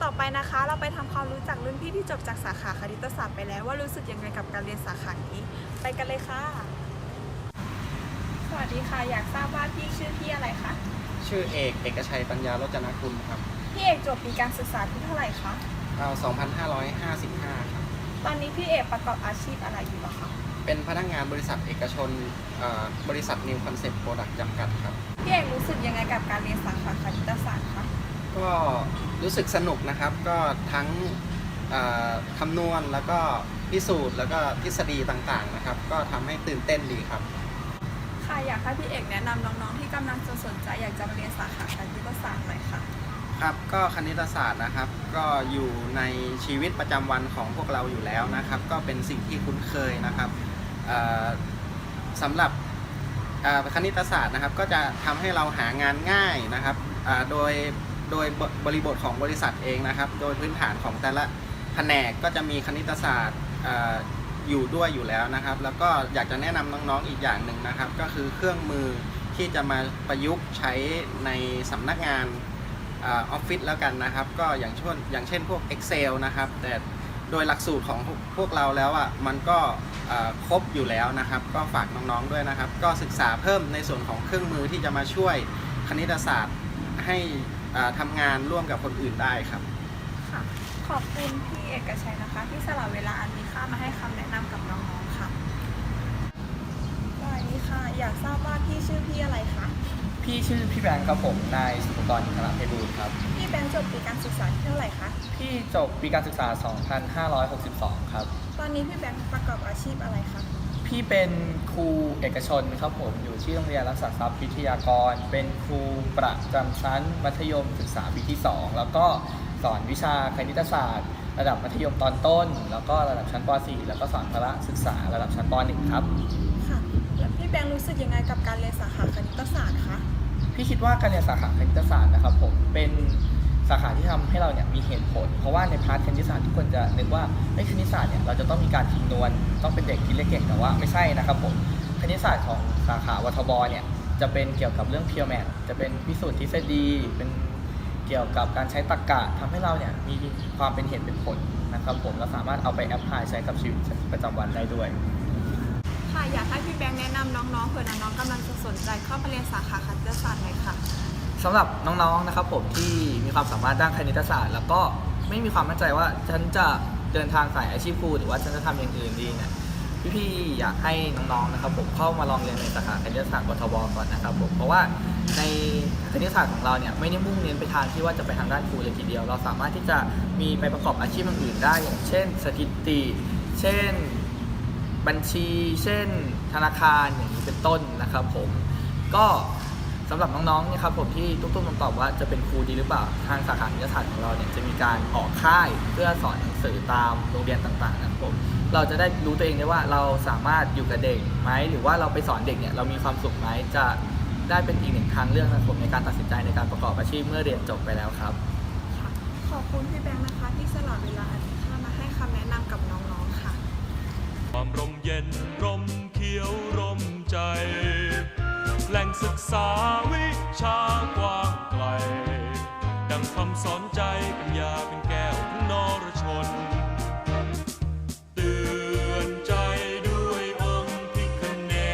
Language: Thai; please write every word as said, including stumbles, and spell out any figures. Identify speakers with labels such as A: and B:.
A: ต่อไปนะคะเราไปทำความรู้จักรุ่นพี่ที่จบจากสาขาคณิตศาสตร์ไปแล้วว่ารู้สึกยังไงกับการเรียนสาขานี้ไปกันเลยค่ะสวัสดีค่ะอยากทราบว่าพี่ชื่อพี่อะไรคะ
B: ชื่อเอกเอกชัยปัญญารจนกุลครับ
A: พี่เอกจบปีการศึกษาที่เท่าไหร่คะ
B: เราสองพันห้าร้อยห้าสิบห้าครับ
A: ตอนนี้พี่เอกประกอบอาชีพอะไรอยู่หรอคะ
B: เป็นพนักงานบริษัทเอกชนบริษัท New Concept Product จำกัดครับ
A: พี่เอกรู้สึกยังไงกับการเรียนสาขาคณิตศาสตร์คะ
B: ก็รู้สึกสนุกนะครับก็ทั้งคำนวณแล้วก็พิสูจน์แล้วก็ทฤษฎีต่างๆนะครับก็ทำให้ตื่นเต้นดีครับ
A: ค่ะอยากให้พี่เอกแนะนำน้องๆที่กำลังจะสนใจอยากจะมาเรียนสาขาคณิตศาสตร์หน่อยค่ะ
B: ครับก็คณิตศาสตร์นะครับก็อยู่ในชีวิตประจำวันของพวกเราอยู่แล้วนะครับก็เป็นสิ่งที่คุ้นเคยนะครับสำหรับคณิตศาสตร์นะครับก็จะทำให้เราหางานง่ายนะครับโดยโดยบริบทของบริษัทเองนะครับโดยพื้นฐานของแต่ละแผนกก็จะมีคณิตศาสตร์อยู่ด้วยอยู่แล้วนะครับแล้วก็อยากจะแนะนำน้องๆอีกอย่างหนึ่งนะครับก็คือเครื่องมือที่จะมาประยุกต์ใช้ในสำนักงานออฟฟิศแล้วกันนะครับก็อย่างเช่นอย่างเช่นพวก Excel นะครับแต่โดยหลักสูตรของพวกเราแล้วอ่ะมันก็ครบอยู่แล้วนะครับก็ฝากน้องๆด้วยนะครับก็ศึกษาเพิ่มในส่วนของเครื่องมือที่จะมาช่วยคณิตศาสตร์ให้ทำงานร่วมกับคนอื่นได้ครับ
A: ค่ะขอบคุณพี่เอกชัยนะคะที่สละเวลาอันมีค่ามาให้คำแนะนำกับน้องๆค่ะสวัสดีค่ะอยากทราบว่าพี่ชื่อพี่อะไรคะ
C: พี่ชื่อพี่แบงค์ครับผมนายสุภกรอินทรเพบูลครับ
A: พี่แบงค์จบปีการศึกษาที่เท่าไหร่คะ
C: พี่จบปีการศึกษา สองพันห้าร้อยหกสิบสอง ครับ
A: ตอนนี้พี่แบงค์ประกอบอาชีพอะไรคะ
C: พี่เป็นครูเอกชนครับผมอยู่ที่โรงเรียนรักษาทรัพย์วิทยากรเป็นครูประจำชั้นมัธยมศึกษาปีที่สองแล้วก็สอนวิชาคณิตศาสตร์ระดับมัธยมตอนต้นแล้วก็ระดับชั้นป .สี่ แล้วก็สอนพละศึกษาระดับชั้นป .หนึ่ง ครับ
A: ค่ะแล้วพี่แบงค์รู้สึกยังไงกับการเรียนสาขาคณิตศาสตร์คะ
C: พี่คิดว่าการเรียนสาขาคณิตศาสตร์นะครับผมเป็นสาขาที่ทำให้เราเนี่ยมีเหตุผลเพราะว่าในพาร์ทคณิตศาสตร์ทุกคนจะนึกว่าในคณิตศาสตร์เนี่ยเราจะต้องมีการคำนวณต้องเป็นเด็กที่เรียนเก่งแต่ว่าไม่ใช่นะครับผมคณิตศาสตร์ของสาขาวัทบเนี่ยจะเป็นเกี่ยวกับเรื่อง pure math จะเป็นพิสูจน์ทฤษฎีเป็นเกี่ยวกับการใช้ตรรกะทำให้เราเนี่ยมีความเป็นเหตุเป็นผลนะครับผมเราสามารถเอาไปแอพพลายใช้กับชีวิตประจำวันได้ด้วย
A: ค่ะอยากให้พี่แบงค์แนะนำน้องๆเผื่อน้องๆกำลังจะสนใจเข้าไปเรียนสาขาคณิตศาสตร์หน่อยค่ะ
C: สำหรับน้องๆนะครับผมที่มีความสามารถด้านคณิตศาสตร์แล้วก็ไม่มีความมั่นใจว่าฉันจะเดินทางสายอาชีพครูหรือว่าฉันจะทำอย่างอื่นดีเนี่ยพี่ๆอยากให้น้องๆนะครับผมเข้ามาลองเรียนในสาขาคณิตศาสตร์วัทบก่อนนะครับผมเพราะว่าในคณิตศาสตร์ของเราเนี่ยไม่ได้มุ่งเน้นไปทางที่ว่าจะไปทางด้านครูเลยทีเดียวเราสามารถที่จะมีไปประกอบอาชีพอื่นได้อย่างเช่นสถิติเช่นบัญชีเช่นธนาคารอย่างนี้เป็นต้นนะครับผมก็สำหรับน้องๆเนี่ยครับผมที่ตุ้มๆตอบว่าจะเป็นครูดีหรือเปล่าทางสาขาคณิตศาสตร์ของเราเนี่ยจะมีการออกค่ายเพื่อสอนหนังสือตามโรงเรียนต่างๆนะครับผมเราจะได้รู้ตัวเองได้ว่าเราสามารถอยู่กับเด็กไหมหรือว่าเราไปสอนเด็กเนี่ยเรามีความสุขไหมจะได้เป็นอีกหนึ่งทางเลือกนะครับผมในการตัดสินใจในการประกอบอาชีพเมื่อเรียนจบไปแล้วครับ
A: ขอบคุณพี่แบงค์นะคะที่สละเวลาอันมีค่ามาให้คำแนะนำกับน้องๆค่ะ
D: ความร่มเย็นร่มเขียวร่มใจแหล่งศึกษาวิชากว้างไกลดังคำสอนใจปัญญาเป็นแก้วของนรชน